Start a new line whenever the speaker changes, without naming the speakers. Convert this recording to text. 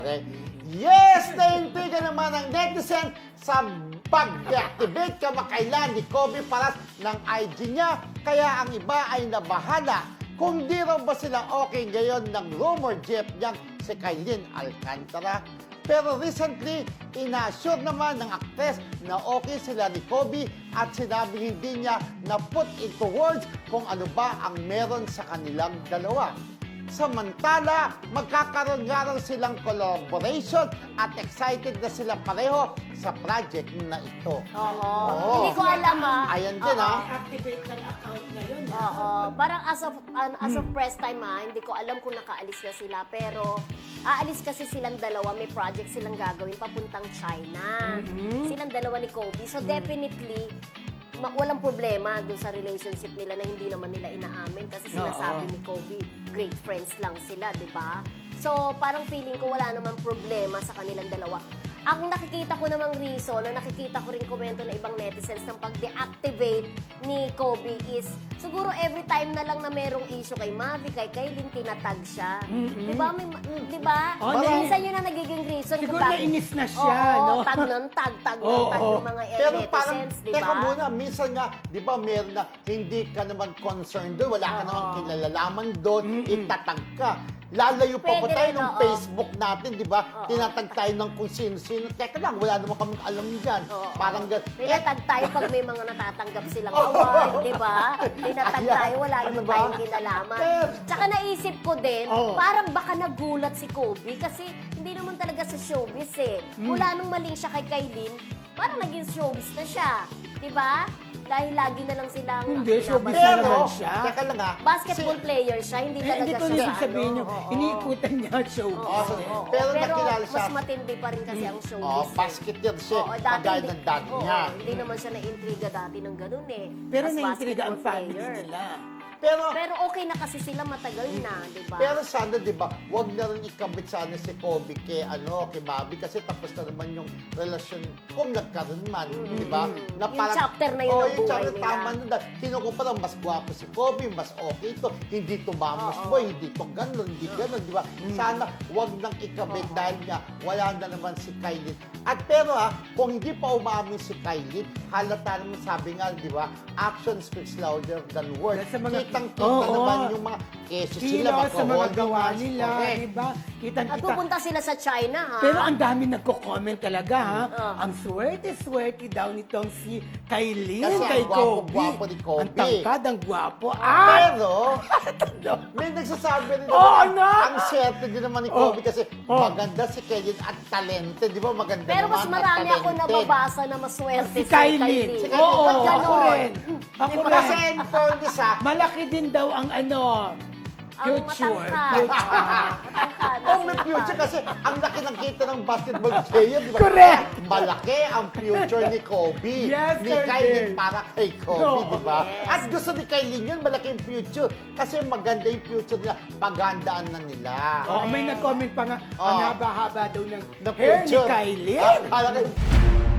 Okay. Yes! Naintriga naman ang netizen sa pag-deactivate kamakailan ni Kobe Paras ng IG niya. Kaya ang iba ay nabahala kung di raw ba sila okay ngayon ng rumor jeep niyang si Kailin Alcantara. Pero recently, ina-assure naman ng aktres na okay sila ni Kobe at sinabi hindi niya na put into words kung ano ba ang meron sa kanilang dalawa. Samantala, magkakaroon nga raw silang collaboration at excited na sila pareho sa project na ito.
Oo. Hindi ko alam
Ayan din
Activate ng account ngayon.
Oo. Parang as of press time hindi ko alam kung nakaalis na sila. Pero aalis kasi silang dalawa, may project silang gagawin papuntang China. Silang dalawa ni Kobe. So definitely, walang problema dun sa relationship nila na hindi naman nila inaamin kasi sinasabi ni Kobe, great friends lang sila, di ba? So, parang feeling ko wala namang problema sa kanilang dalawa. Ang nakikita ko namang reason, na nakikita ko rin komento ng ibang netizens ng pag-deactivate ni Kobe is, siguro every time na lang na merong issue kay Mavi, kay Kailin, tinatag siya. Di ba? Di ba?
Oh,
Minsan yun ang nagiging reason.
Siguro nainis na siya,
Oo,
no?
tag ng tag ng mga
Pero parang,
netizens, di ba?
teka muna, minsan nga, di ba meron na hindi ka naman concerned doon, wala ka naman kinalalaman doon, itatag ka. Lalayo pa
Pwede
tayo
rin,
ng
oo.
Facebook natin, di ba? Tinatag tayo ng kung sino-sino. Teka lang, wala naman kami alam dyan.
Oo.
Parang
Tinatag tayo pag may mga natatanggap silang award, di ba? Tinatag
Ayan.
tayo, wala
Ano
naman
ba?
tayong kinalaman. Tsaka naisip ko din, parang baka nagulat si Kobe kasi hindi naman talaga sa showbiz eh. Mula nung maling siya kay Kailin, parang naging showbiz na siya. Di ba? Dahil lagi na lang silang
Hindi, showbiz
binabantayan.
na naman siya.
teka lang ha.
Basketball player siya, hindi talaga
Hindi ko
siya
nang sabihin nyo,
oo.
iniikutan niya ang showbiz.
Oo. Pero nakilala siya.
mas matindi pa rin kasi ang showbiz.
Oh, basketeer siya. Kagaya ng dad niya.
Hindi naman siya na-intriga dati ng ganun eh.
Pero
As
naiintriga ang
basketball
family
player.
nila.
Pero
okay na kasi sila matagal na, di ba?
Pero sana, di ba, wag na rin ikabit sana si Kobe kay Mavi kasi tapos na naman yung relasyon kung nagkaroon man, di ba? Na
Yung chapter na yun ng
yung
buhay
chapter,
nila.
tama na. Kinukumpara, mas gwapo si Kobe, mas okay ito, hindi tumamos boy, hindi to ganun, hindi ganun, di ba? Sana wag nang ikabit dahil nga wala na naman si Kailin. At pero kung hindi pa umamin si Kailin, halata naman sabi nga, di ba, action speaks louder than words.
Sa mga-
Kitang-kita
Oo.
naman yung mga keso sila,
Kilos sa mga
magka-hold
gawa
hands.
nila,
Correct.
di ba?
At
Kitang-kita.
pupunta sila sa China, ha?
Pero ang dami nagko-comment talaga, ha? Ang swerte-swerte daw nitong si Kailin
Kasi
kay
ang gwapo-gwapo
Kobe.
ni Kobe.
Ang tangkad, ang gwapo.
Pero, may nagsasabi rin
Oo,
naman,
no?
ang swerte din naman ni Kobe kasi maganda si Kailin at talented, di ba? Maganda
Pero mas
naman at
marami ako
talented.
nababasa na maswerte
Si Kailin.
Si Kailin.
Oo,
Ba't ganon?
ako rin. Ako
Diba? Kasi
rin.
in fairness
Malaki din daw ang
Ang
future.
matangkad.
Oh, may future kasi ang laki ng kita ng basketball player, di ba?
Correct!
Malaki ang future ni Kobe.
Yes,
ni
sir,
Kailin
yes.
para kay Kobe,
No.
di ba?
Yes.
At gusto ni Kailin yun, malaki yung future. Kasi maganda yung future nila, pagandaan na nila.
Oh, may nag-comment pa nga, ang haba-haba daw ng
The
hair ni
future.
Kylie.
Kala ko,